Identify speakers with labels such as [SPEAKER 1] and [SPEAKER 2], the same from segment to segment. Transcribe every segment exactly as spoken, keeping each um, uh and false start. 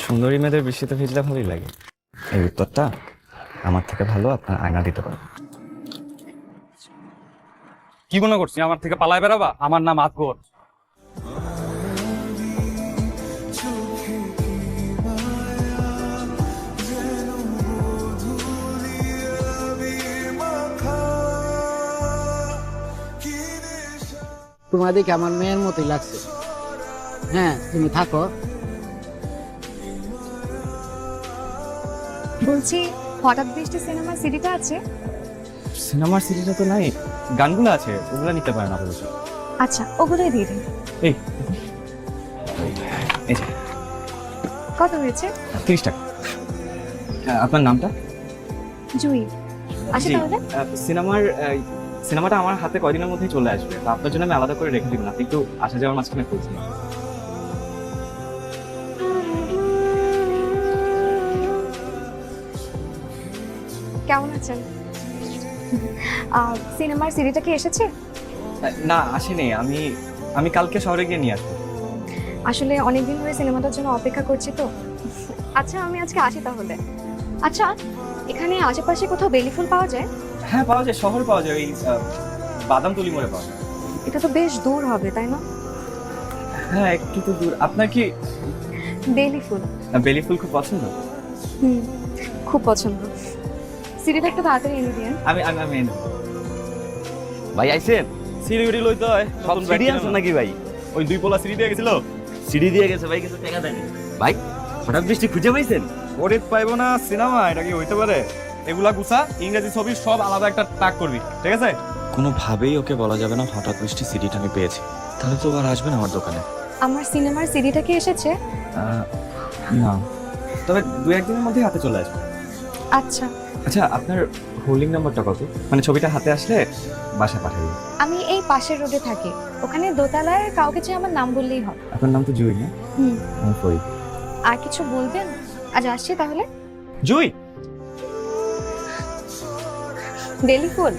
[SPEAKER 1] সুন্দরী মেয়েদের বৃষ্টিতে ভিজলে ভালোই লাগে। এই উত্তরটা আমার থেকে ভালো আপনার আয়না দিতে পারে।
[SPEAKER 2] কি মনে করছি আমার থেকে পালায় বেড়াবা? আমার নাম আকবর।
[SPEAKER 3] তোমার দেখে আমার মেয়ের মতোই লাগছে। হ্যাঁ, তুমি থাকো।
[SPEAKER 4] বলছি হঠাৎ বৃষ্টি সিনেমার সিডিটা আছে?
[SPEAKER 1] সিনেমার সিরিজে তো নাই, গানগুলো আছে, ওগুলো নিতে পারেন আপাতত।
[SPEAKER 4] আচ্ছা, ওগুলোই দিয়ে দিন।
[SPEAKER 1] এই এই যে
[SPEAKER 4] কত হয়েছে?
[SPEAKER 1] তিরিশ টাকা। আহ, আপনার নামটা?
[SPEAKER 4] জুই। আচ্ছা
[SPEAKER 1] জি,
[SPEAKER 4] তাহলে
[SPEAKER 1] আহ, সিনেমার আহ, সিনেমাটা আমার হাতে কয়দিনের মধ্যেই চলে আসবে, তো আপনার জন্য আমি আলাদা করে রেখে দিব না, আপনি একটু আসা যাওয়ার মাঝখানে করছেন।
[SPEAKER 4] কেমন আছেন? আহ, সিনেমার সিডিটা কি এসেছে?
[SPEAKER 1] না আসেনি, আমি আমি কালকে শহরে গিয়ে নিয়ে আসবো।
[SPEAKER 4] আসলে অনেকদিন ধরে সিনেমাটার জন্য অপেক্ষা করছি তো। আচ্ছা আমি আজকে আসি তাহলে। আচ্ছা, এখানে আশেপাশে কোথাও বেলি ফুল পাওয়া যায়?
[SPEAKER 1] হ্যাঁ পাওয়া যায়, শহরে পাওয়া যায়, ওই আহ, বাদামতলি মোড়ে পাওয়া যায়।
[SPEAKER 4] এটা তো বেশ দূর হবে তাই না?
[SPEAKER 1] হ্যাঁ একটু তো দূর। আপনার কি
[SPEAKER 4] বেলি ফুল?
[SPEAKER 1] আহ, বেলি ফুল খুব পছন্দ?
[SPEAKER 4] হুম, খুব পছন্দ। সিডিটা একটু তাড়াতাড়ি এনে দিন।
[SPEAKER 1] আমি আমি আমি এনে দেবো।
[SPEAKER 5] ভাই আইছেন?
[SPEAKER 1] শিলিগুড়ি লইতে হয়,
[SPEAKER 5] সব
[SPEAKER 1] নতুন
[SPEAKER 5] সিডি
[SPEAKER 1] ব্যাগ
[SPEAKER 5] আছে
[SPEAKER 1] কিনলাম।
[SPEAKER 5] নাকি ভাই?
[SPEAKER 1] ওই দুই পোলা সিঁড়ি দিয়ে গেছিল।
[SPEAKER 5] সিডি দিয়ে গেছে ভাই, কিছু টাকা দেয়নি। ভাই হঠাৎ বৃষ্টি খুঁজে পাইছেন?
[SPEAKER 2] ওরে পাইবো না সিনেমা, এটা কি হইতে পারে? এগুলা গুছা, ইংরেজি ছবি সব আলাদা একটা টাক করবি, ঠিক আছে?
[SPEAKER 6] কোনোভাবেই ওকে বলা যাবে না হঠাৎ বৃষ্টি সিডিটা আমি পেয়েছি, তাহলে তো আর আসবে না আমার দোকানে।
[SPEAKER 4] আমার সিনেমার সিডিটা কি এসেছে?
[SPEAKER 1] আহ, না, তবে দু একদিনের মধ্যেই হাতে চলে আসবে।
[SPEAKER 4] আচ্ছা,
[SPEAKER 1] আচ্ছা আপনার হোল্ডিং নাম্বারটা কত? মানে ছবিটা হাতে আসলে বাসা পাঠিয়ে দিই।
[SPEAKER 4] আমি এই পাশের রোডে থাকি, ওখানে দোতলায় কাউকে চেয়ে আমার নাম বললেই হবে।
[SPEAKER 1] আপনার নাম তো জুই না?
[SPEAKER 4] হুম,
[SPEAKER 1] আমি ফরিদ।
[SPEAKER 4] আর কিছু বলবেন? আজ আসছি তাহলে।
[SPEAKER 1] জুই,
[SPEAKER 4] বেলি ফুল?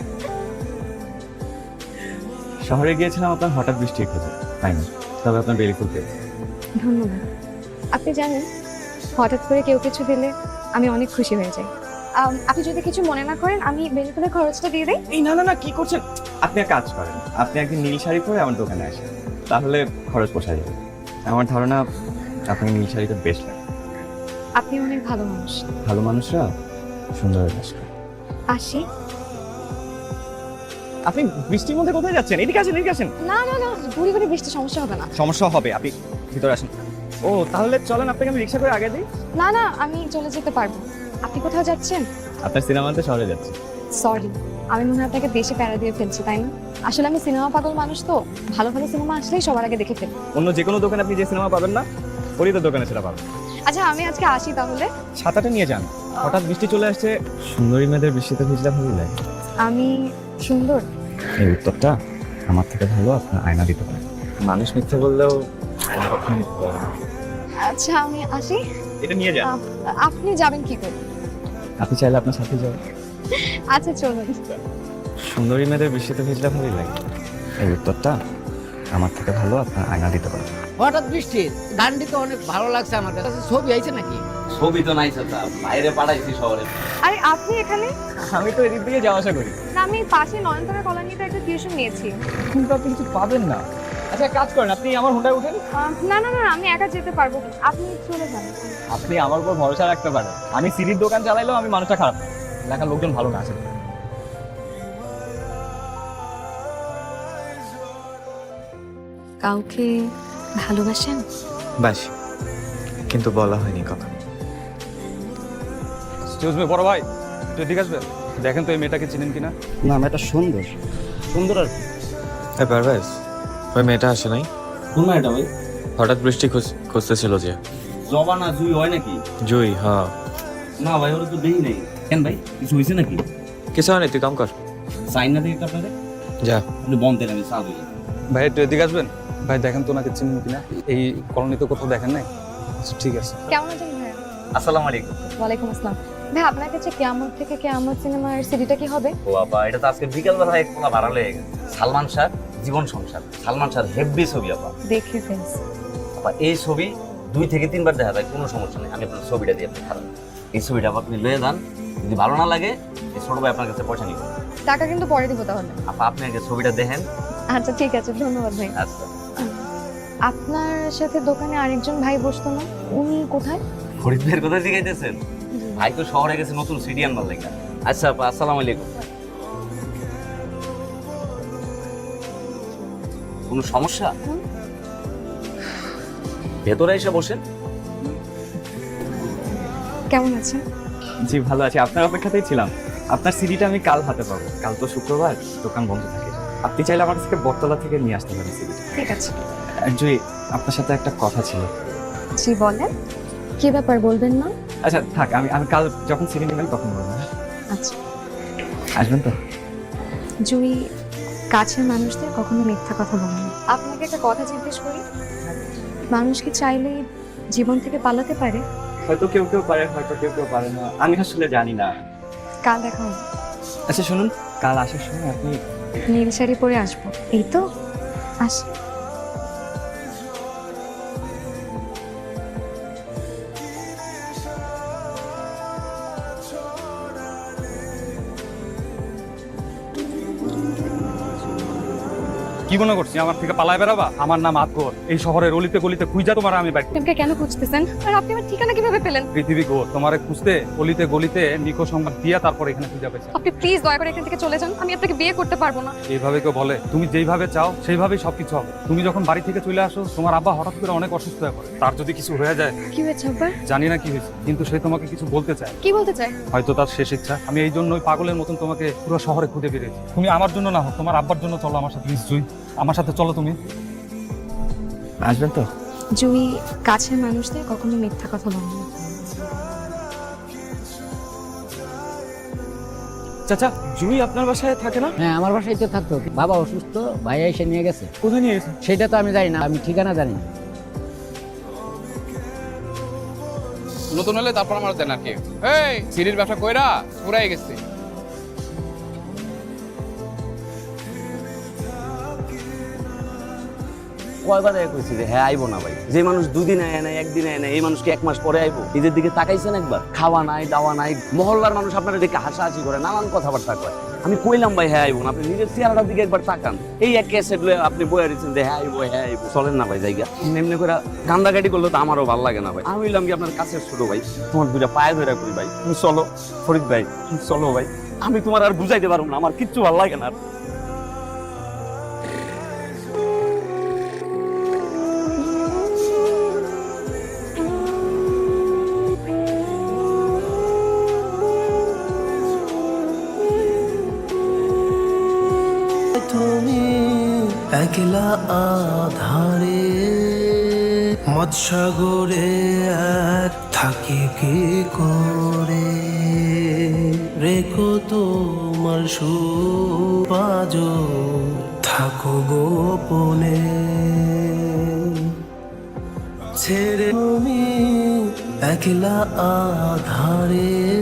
[SPEAKER 1] শহরে গিয়েছিলাম আপনার হঠাৎ বৃষ্টি খোঁজে, তাই না? তবে আপনার বেলি ফুল পেয়েছি।
[SPEAKER 4] ধন্যবাদ। আপনি জানেন হঠাৎ করে কেউ কিছু দিলে আমি অনেক খুশি হয়ে যাই। আম, আপনি যদি কিছু মনে না করেন আমি বেলি ফুলের খরচটা দিয়ে দিই।
[SPEAKER 1] এই না না না, কি করছেন আপনি? এক কাজ করেন, আপনি একদিন নীল শাড়ি পরে আমার দোকানে আসেন, তাহলে খরচ পোষা যাবে। আমার ধারণা আপনাকে নীল শাড়িটা বেশ লাগে।
[SPEAKER 4] আপনি অনেক ভালো মানুষ।
[SPEAKER 1] ভালো মানুষরা সুন্দর বাস করে।
[SPEAKER 4] আসি।
[SPEAKER 1] আপনি বৃষ্টির মধ্যে কোথায় যাচ্ছেন? এদিকে আসেন, এদিকে আসেন।
[SPEAKER 4] না না না, ঘুরি ঘুরি বৃষ্টি সমস্যা হবে না।
[SPEAKER 1] সমস্যা হবে, আপনি ভিতরে আসেন। ও তাহলে চলেন, আপনাকে আমি রিক্সা করে আগে দিই।
[SPEAKER 4] না না, আমি চলে যেতে পারবো। আপনি কোথাও যাচ্ছেন?
[SPEAKER 1] আপনার সিনেমাতে শহরে যাচ্ছি।
[SPEAKER 4] সরি, আমি মনে হয় আপনাকে বেশি প্যারা দিয়ে ফেলছি তাই না? আসলে আমি সিনেমা পাগল মানুষ তো, ভালো ভালো সিনেমা আসলেই সবার আগে দেখে ফেলি।
[SPEAKER 1] অন্য যে কোনো দোকানে আপনি যে সিনেমা পাবেন না, ফরিদের দোকানে সেটা পাবেন।
[SPEAKER 4] আচ্ছা আমি আজকে আসি তাহলে।
[SPEAKER 1] ছাতাটা নিয়ে যান, হঠাৎ বৃষ্টি চলে আসছে। সুন্দরী মেয়েদের বৃষ্টিতে ভিজলে ভালোই লাগে।
[SPEAKER 4] আমি সুন্দর?
[SPEAKER 1] এই উত্তরটা আমার থেকে ভালো আপনার আয়না দিতে পারে। মানুষ মিথ্যে বললেও কখনো মিথ্যে বলে না।
[SPEAKER 4] আচ্ছা আমি আসি।
[SPEAKER 1] এটা নিয়ে যান।
[SPEAKER 4] আপ- আপনি যাবেন কি করে?
[SPEAKER 1] আপনি চাইলে আপনার সাথে যাও।
[SPEAKER 4] আচ্ছা চলুন।
[SPEAKER 1] সুন্দরী মেয়েদের বৃষ্টিতে ভিজলে ভালোই লাগে। এই উত্তরটা আমার থেকে ভালো আপনার আয়না দিতে পারে।
[SPEAKER 3] হঠাৎ বৃষ্টি গানটি তো অনেক ভালো লাগছে আমার কাছে। ছবি আইছে নাকি?
[SPEAKER 5] ছবি তো নাই চাচা, বাইরে পাঠাইছি শহরে।
[SPEAKER 4] আরে আপনি এখানে?
[SPEAKER 1] আমি তো এদিক দিয়ে যাওয়া আসা করি।
[SPEAKER 4] না, আমি পাশে নয়নতারা কলোনিতে একটা টিউশন নিয়েছি।
[SPEAKER 1] কিন্তু আপনি কিছু পাবেন না। আচ্ছা এক কাজ করেন, আপনি আমার হোন্ডায় উঠেন।
[SPEAKER 4] আহ, না না না, আমি একা যেতে পারবো, আপনি চলে যান।
[SPEAKER 1] আপনি আমার উপর ভরসা রাখতে পারেন, আমি সিঁড়ির দোকান চালাইলেও আমি মানুষটা খারাপ না। এলাকার লোকজন ভালো না আছে।
[SPEAKER 4] কাউকে ভালোবাসেন?
[SPEAKER 6] ব্যাস, কিন্তু বলা হয়নি কখনো।
[SPEAKER 2] এক্সকিউজ মি বড় ভাই, একটু এদিকে আসবেন? দেখেন তো এই মেয়েটাকে চিনেন কিনা।
[SPEAKER 3] না, এটা সুন্দর সুন্দর আর কি।
[SPEAKER 6] এ পারভেজ, ওই মেয়েটা আসে নাই?
[SPEAKER 5] কোন এটা ভাই?
[SPEAKER 6] হঠাৎ বৃষ্টি খুঁজ- খুঁজতেছিল যে।
[SPEAKER 5] জবা না জুই হয় নাকি?
[SPEAKER 6] জুই, হ্যাঁ।
[SPEAKER 5] না ভাই, ওরা তো দেখি নাই। কেন ভাই, কিছু হয়েছে নাকি?
[SPEAKER 6] কিছু হয় না, তুই কাম কর।
[SPEAKER 5] সাইন না দেখে আপনাদের
[SPEAKER 6] যা।
[SPEAKER 5] আপনি বন্ধ দেন, আমি সাহায্য করি।
[SPEAKER 2] ভাই একটু এদিকে আসবেন? ভাই দেখেন তো ওনাকে চিনেন কিনা, এই কলোনিতে কোথাও দেখেন নাই? আচ্ছা ঠিক আছে।
[SPEAKER 4] কেমন আছেন ভাইয়া?
[SPEAKER 5] আসসালামু আলাইকুম।
[SPEAKER 4] ওয়ালাইকুম আসসালাম। ভাই আপনার কাছে কেয়ামত থেকে কেয়ামত সিনেমার সিডিটা কি হবে?
[SPEAKER 5] ও বাবা, এটা তো আজকে বিকাল বেলা এক পোলা ভাড়া লেগে গেছে। সালমান শাহ জীবন সংসার, সালমান শাহ হেব্বি ছবি আপা।
[SPEAKER 4] দেখে ফেলছি।
[SPEAKER 5] আপা এই ছবি দুই থেকে তিনবার দেখা যায়, কোনো সমস্যা নেই। আমি আপনার ছবিটা দিয়ে আপনি খারাপ এই ছবিটা আপনি লয়ে যান, যদি ভালো না লাগে এই ছোট ভাই আপনার কাছে পয়সা নিব।
[SPEAKER 4] টাকা কিন্তু পরে দিব তাহলে।
[SPEAKER 5] আপা আপনি আগে ছবিটা দেখেন।
[SPEAKER 4] আচ্ছা ঠিক আছে, ধন্যবাদ ভাই।
[SPEAKER 5] আচ্ছা,
[SPEAKER 4] আপনার সাথে দোকানে আরেকজন ভাই বসতো না, উনি কোথায়?
[SPEAKER 5] ফরিদ ভাইয়ের কথা জিজ্ঞাসেন? ভাই তো শহরে গেছে নতুন সিডি আনবার লাগে। আচ্ছা আপা, আসসালামু আলাইকুম। কোনো সমস্যা? ভেতরে এসে বসেন।
[SPEAKER 4] কেমন আছেন?
[SPEAKER 1] জি ভালো আছি, আপনার অপেক্ষাতেই ছিলাম। আপনার সিডিটা আমি কাল হাতে পাবো। কাল তো শুক্রবার, দোকান বন্ধ থাকে। আপনি চাইলে আমার কাছে বটতলা থেকে নিয়ে আসতে পারেন সিডিটা।
[SPEAKER 4] ঠিক আছে।
[SPEAKER 1] জুই, আপনার সাথে একটা কথা ছিল।
[SPEAKER 4] জি বলেন, কি ব্যাপার বলবেন না?
[SPEAKER 1] আচ্ছা থাক, আমি আমি কাল যখন সিডি নেবেন তখন বলবো।
[SPEAKER 4] আচ্ছা।
[SPEAKER 1] আসবেন তো?
[SPEAKER 4] জুই কাছের মানুষদের কখনো মিথ্যা কথা বলে না। আপনাকে একটা কথা জিজ্ঞেস করি, মানুষ কি চাইলে জীবন থেকে পালাতে পারে?
[SPEAKER 1] হয়তো কেউ কেউ পারে, হয়তো কেউ কেউ পারে না, আমি আসলে জানি না।
[SPEAKER 4] কাল দেখা হবে।
[SPEAKER 1] আচ্ছা শুনুন, কাল আসার সময় আপনি
[SPEAKER 4] নীল শাড়ি পরে আসবো, এই তো। আসি।
[SPEAKER 2] কি মনে করছি আমার থেকে পালায় বেড়াবা? আমার নাম আকবর। এই শহরের অলিতে গলিতে খুঁজা তোমার আমি বাইক।
[SPEAKER 4] তোমাকে কেন খুঁজতেছেন আর আপনি আমার ঠিকানা কিভাবে পেলেন?
[SPEAKER 2] পৃথিবী গো তোমারে খুঁজতে অলিতে গলিতে নিকো সংবাদ দিয়া তারপর এখানে খুঁজা পেয়েছে।
[SPEAKER 4] আপনি প্লিজ দয়া করে এখান থেকে চলে যান, আমি আপনাকে বিয়ে করতে পারবো না।
[SPEAKER 2] এইভাবে কেউ বলে? তুমি যেইভাবে চাও সেইভাবেই সবকিছু হবে। তুমি যখন বাড়ি থেকে চলে আসো, তোমার আব্বা হঠাৎ করে অনেক অসুস্থ হয়ে পড়ে। তার যদি কিছু হয়ে যায়,
[SPEAKER 4] কি হয়েছে আব্বার?
[SPEAKER 2] জানি না কি হয়েছে, কিন্তু সে তোমাকে কিছু বলতে চায়।
[SPEAKER 4] কি বলতে চাই?
[SPEAKER 2] হয়তো তার শেষ ইচ্ছা। আমি এই জন্যই পাগলের মতন তোমাকে পুরো শহরে খুঁজে বেরিয়েছি। তুমি আমার জন্য না হোক, তোমার আব্বার জন্য চলো আমার সাথে। প্লিজ জুই, আমার সাথে চলো তুমি।
[SPEAKER 1] আসবেন তো?
[SPEAKER 4] জুই কাছের মানুষদের কখনো মিথ্যা কথা বলে না।
[SPEAKER 1] চাচা, জুই আপনার বাসায় থাকে না?
[SPEAKER 3] হ্যাঁ, আমার বাসায় তো থাকতো, বাবা অসুস্থ, ভাইয়া এসে নিয়ে গেছে।
[SPEAKER 1] কোথায় নিয়ে গেছে?
[SPEAKER 3] সেটা তো আমি জানি না, আমি ঠিকানা জানি না।
[SPEAKER 7] নতুন হলে তারপর আমার দেন আর কি। এই সিরির ব্যবসা কইরা পুরাই গেছে।
[SPEAKER 5] কয়বার এক হয়েছে যে হ্যাঁ আইবো না ভাই? যে মানুষ দুদিন আয় না, একদিন আয় না, এই মানুষকে এক মাস পরে আইবো? নিজের দিকে তাকাইছেন একবার? খাওয়া নাই, দাওয়া নাই, মহল্লার মানুষ আপনারা দেখে হাসাহাসি করে, নানান কথাবার্তা কয়। আমি কইলাম ভাই হ্যাঁ আইবো না, আপনি নিজের চেহারাটার দিকে একবার তাকান। এই এক ক্যাসেট লয়ে আপনি বয়ে দিচ্ছেন যে হ্যাঁ আইবো, হ্যাঁ আইবো। চলেন না ভাই জায়গা। এমনি করে কান্দাকাটি করলে তো আমারও ভালো লাগে না ভাই। আমি হইলাম কি আপনার কাছের ছোট ভাই, তোমার দুইটা পায়ে ধরে করি ভাই, তুমি চলো। ফরিদ ভাই চলো ভাই, আমি তোমার আর বুঝাইতে পারবো না, আমার কিচ্ছু ভালো লাগে না।
[SPEAKER 8] তুমি একলা আধারে মৎসাগরে এক থাকি কি করে রেখো তোমার সুপাজ থাকো গোপনে ছেড়ে তুমি একলা আধারে